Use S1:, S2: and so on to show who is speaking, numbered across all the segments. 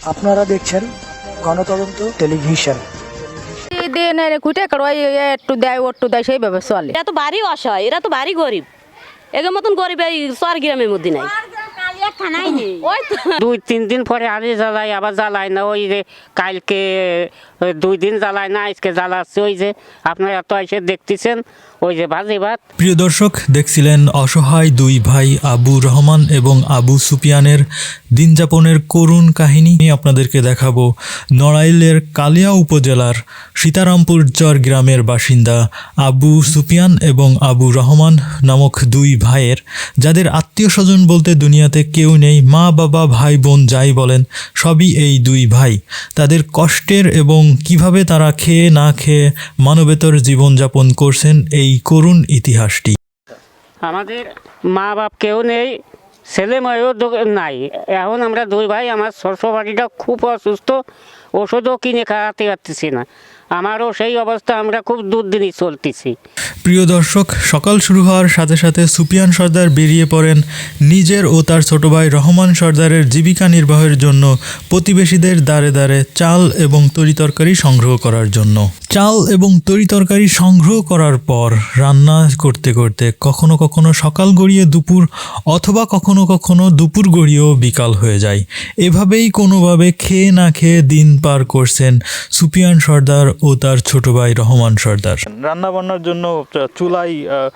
S1: আপনারা দেখছেন গণতদন্ত টেলিভিশন।
S2: খুঁটে একটু দেয় ওট্টু দেয় সেইভাবে চলে।
S3: এরা তো বাড়ি অসহায়, এরা তো বাড়ি গরিব, এদের মতন গরিব এই চর গ্রামের মধ্যে নাই। ওই তো
S4: 2-3 দিন পরে আরে জ্বালাই, আবার জ্বালায় না। ওই যে কালকে 2 দিন জ্বালায় না, আজকে জ্বালাচ্ছে। ওই যে আপনারা তো এসে দেখতেছেন, ওই যে ভাজি ভাত।
S5: প্রিয় দর্শক, দেখছিলেন অসহায় দুই ভাই আবু রহমান এবং আবু সুপিয়ানের দিনযাপনের করুণ কাহিনী। আপনাদেরকে দেখাবো নড়াইলের কালিয়া উপজেলার সীতারামপুর চর গ্রামের বাসিন্দা আবু সুপিয়ান এবং আবু রহমান নামক দুই ভাইয়ের, যাদের আত্মীয় স্বজন বলতে দুনিয়াতে কেউ নেই। মা বাবা ভাই বোন যাই বলেন, সবই এই দুই ভাই। তাদের কষ্টের এবং কিভাবে তারা খেয়ে না খেয়ে মানবেতর জীবনযাপন করছেন, এই করুণ ইতিহাসটি।
S4: আমাদের মা বাপ কেউ নেই, ছেলে মেয়েও নাই। এখন আমরা দুই ভাই, আমার শ্বশুর বাড়িটা খুব অসুস্থ, ওষুধও কিনে খাওয়াতে পারতেছি না। আমারও সেই অবস্থা, আমরা খুব দুর্দিনই চলতেছি।
S5: প্রিয় দর্শক, সকাল শুরু হওয়ার সাথে সাথে সুপিয়ান সর্দার বেরিয়ে পড়েন নিজের ও তার ছোট ভাই রহমান সর্দারের জীবিকা নির্বাহের জন্য প্রতিবেশীদের দ্বারে দ্বারে চাল এবং তরিতরকারি সংগ্রহ করার জন্য। চাল এবং তরিতরকারি সংগ্রহ করার পর রান্না করতে করতে কখনো কখনো সকাল গড়িয়ে দুপুর, অথবা কখনো কখনো দুপুর গড়িয়েও বিকাল হয়ে যায়। এভাবেই কোনোভাবে খেয়ে না খেয়ে দিন পার করছেন সুপিয়ান সর্দার ও তার ছোট ভাই রহমান সর্দার।
S6: রান্না বান্নার জন্য চুলাই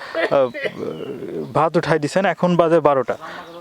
S6: ভাত উঠাই দিছেন, এখন বাজে 12টা।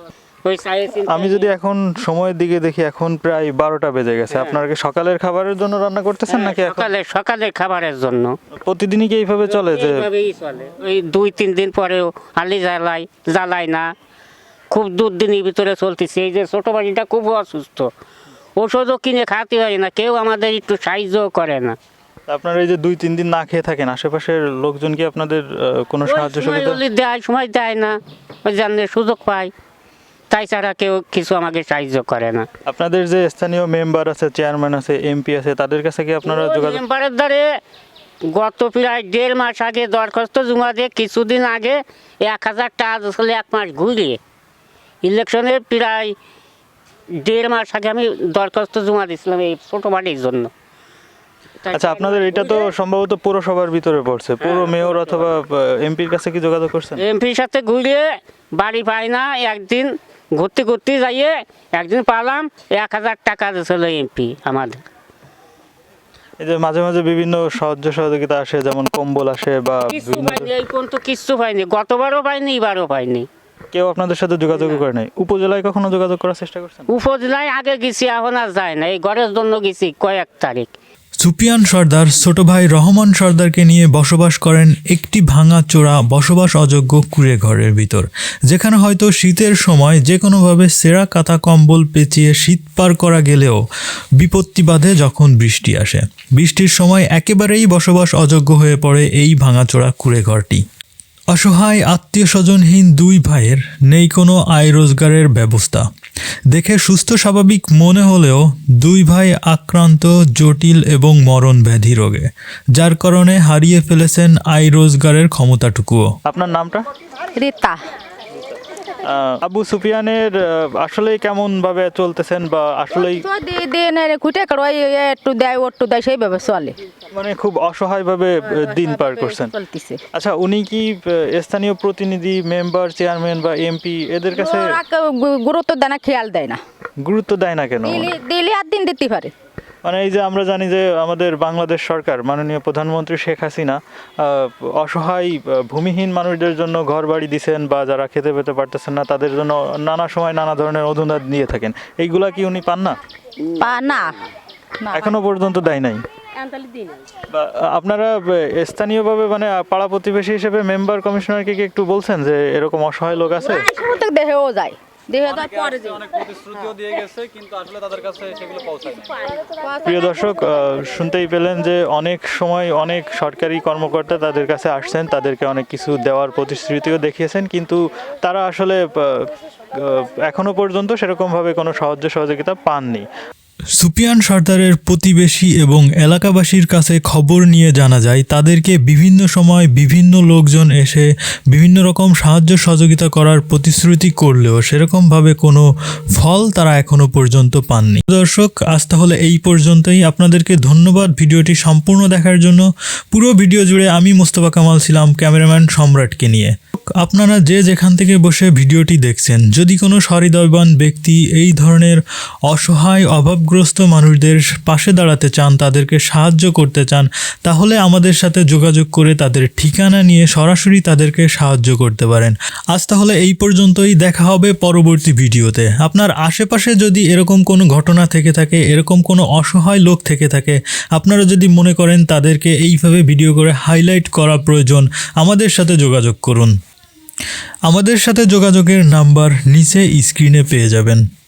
S6: আমি যদি এখন সময়ের দিকে দেখি, এখন প্রায় 12টা বেজে গেছে। আপনারা কি সকালের খাবারের জন্য রান্না করতেছেন নাকি
S4: সকালের খাবারের জন্য?
S6: প্রতিদিনই কি এইভাবে চলে? যে
S4: চলে, ওই 2-3 দিন পরেও আলি জ্বালাই না, খুব দুর্দিনের ভিতরে চলতেছে। এই যে ছোট বাড়িটা খুব অসুস্থ, ওষুধও কিনে খাওয়াতে পারি না, কেউ আমাদের একটু সাহায্যও করে না।
S6: আপনারা এই যে 2-3 দিন না খেয়ে থাকেন, আশেপাশের লোকজন কি আপনাদের কোনো সাহায্য সুবিধা
S4: দেয়? সময় দেয় না, ওই জন্য সুযোগ পায়, তাই ছাড়া কেউ কিছু আমাকে সাহায্য করে না।
S6: আপনাদের যে স্থানীয় মেম্বার আছে, চেয়ারম্যান আছে, এমপি আছে, তাদের কাছে কি আপনারা যোগাযোগ?
S4: মেম্বারের দ্বারে গত প্রায় 1.5 মাস আগে দরখাস্ত জমা দিয়ে, কিছুদিন আগে 1000 টাকা আসলে 1 মাস ঘুরিয়ে, ইলেকশনের প্রায় 1.5 মাস আগে আমি দরখাস্ত জমা দিয়েছিলাম এই ছোট বাড়ির জন্য।
S6: আচ্ছা, আপনাদের এটা তো সম্ভবত পৌরসভার ভিতরে পড়ছে, পৌর মেয়র অথবা এমপির কাছে কি যোগাযোগ করছেন?
S4: এমপির সাথে ঘুরিয়ে বাড়ি পাই না, একদিন ঘুরতে ঘুরতে যাইয়ে একদিন পালাম, 1000 টাকা দিয়েছিল এমপি আমাদের।
S6: এই যে মাঝে মাঝে বিভিন্ন সাহায্য সহযোগিতা আসে, যেমন কম্বল আসে বা
S4: এই পর্যন্ত কিচ্ছু পাইনি, গতবারও পাইনি, এবারও পাইনি।
S6: কেউ আপনাদের সাথে যোগাযোগ করে নাই? উপজেলায় কখনো যোগাযোগ করার চেষ্টা করছেন?
S4: উপজেলায় আগে গেছি, এখন আর যায় না। এই ঘরের জন্য গেছি কয়েক তারিখ।
S5: সুপিয়ান সর্দার ছোট ভাই রহমান সর্দারকে নিয়ে বসবাস করেন একটি ভাঙা চোরা বসবাস অযোগ্য কুঁড়ে ঘরের ভিতর, যেখানে হয়তো শীতের সময় যে কোনোভাবে সেরা কাঁথা কম্বল পেঁচিয়ে শীত পার করা গেলেও বিপত্তি বাধে যখন বৃষ্টি আসে। বৃষ্টির সময় একেবারেই বসবাস অযোগ্য হয়ে পড়ে এই ভাঙাচোরা কুঁড়ে ঘরটি। অসহায় আত্মীয় স্বজনহীন দুই ভাইয়ের নেই কোনো আয় রোজগারের ব্যবস্থা। দেখে সুস্থ স্বাভাবিক মনে হলেও দুই ভাই আক্রান্ত জটিল এবং মরণ ব্যাধি রোগে, যার কারণে হারিয়ে ফেলেছেন আয় রোজগারের ক্ষমতাটুকুও।
S6: আপনার নামটা?
S2: রীতা।
S6: আবু সুফিয়ানের আসলে কেমন ভাবে চলতেছেন, বা আসলেই
S2: খুঁটে একটু দেয় ওট্টু দেয় সেইভাবে চলে,
S6: মানে খুব অসহায় ভাবে দিন পার করছেন?
S2: চলতেছে।
S6: আচ্ছা, উনি কি স্থানীয় প্রতিনিধি, মেম্বার, চেয়ারম্যান বা এমপি এদের কাছে
S2: গুরুত্ব দেয় না, খেয়াল দেয় না।
S6: গুরুত্ব দেয় না কেন?
S2: দিলে আর দিন দিতে পারে।
S6: মানে এই যে আমরা জানি যে আমাদের বাংলাদেশ সরকার, মাননীয় প্রধানমন্ত্রী শেখ হাসিনা অসহায় ভূমিহীন মানুষদের জন্য ঘর বাড়ি দিচ্ছেন, বা যারা খেতে পেতে পারতেছেন না তাদের জন্য নানা সময় নানা ধরনের অনুদান দিয়ে থাকেন। এইগুলা কি উনি পান না?
S2: না,
S6: এখনো পর্যন্ত দেয় নাই। বা আপনারা স্থানীয়ভাবে, মানে পাড়া প্রতিবেশী হিসেবে মেম্বার, কমিশনারকে কি একটু বলছেন যে এরকম অসহায় লোক আছে?
S2: দেহেও যায়,
S6: প্রিয় দর্শক, শুনতেই পেলেন যে অনেক সময় অনেক সরকারি কর্মকর্তা তাদের কাছে আসছেন, তাদেরকে অনেক কিছু দেওয়ার প্রতিশ্রুতিও দেখিয়েছেন, কিন্তু তারা আসলে এখনো পর্যন্ত সেরকমভাবে কোনো সাহায্য সহযোগিতা পাননি।
S5: সুপিয়ান সর্দারের প্রতিবেশী এবং এলাকাবাসীর কাছে খবর নিয়ে জানা যায় তাদেরকে বিভিন্ন সময় বিভিন্ন লোকজন এসে বিভিন্ন রকম সাহায্য সহযোগিতা করার প্রতিশ্রুতি করলেও সেরকমভাবে কোনো ফল তারা এখনো পর্যন্ত পাননি। দর্শক, আজ তাহলে এই পর্যন্তই। আপনাদেরকে ধন্যবাদ ভিডিওটি সম্পূর্ণ দেখার জন্য। পুরো ভিডিও জুড়ে আমি মোস্তফা কামাল ছিলাম ক্যামেরাম্যান সম্রাটকে নিয়ে। আপনারা যে যেখান থেকে বসে ভিডিওটি দেখছেন, যদি কোনো সহৃদয়বান ব্যক্তি এই ধরনের অসহায় অভাবগ্রস্ত মানুষদের পাশে দাঁড়াতে চান, তাদেরকে সাহায্য করতে চান, তাহলে আমাদের সাথে যোগাযোগ করে তাদের ঠিকানা নিয়ে সরাসরি তাদেরকে সাহায্য করতে পারেন। আজ তাহলে এই পর্যন্তই, দেখা হবে পরবর্তী ভিডিওতে। আপনার আশেপাশে যদি এরকম কোনো ঘটনা থেকে থাকে, এরকম কোনো অসহায় লোক থেকে থাকে, আপনারা যদি মনে করেন তাদেরকে এইভাবে ভিডিও করে হাইলাইট করা প্রয়োজন, আমাদের সাথে যোগাযোগ করুন। আমাদের সাথে যোগাযোগের নাম্বার নিচে স্ক্রিনে পেয়ে যাবেন।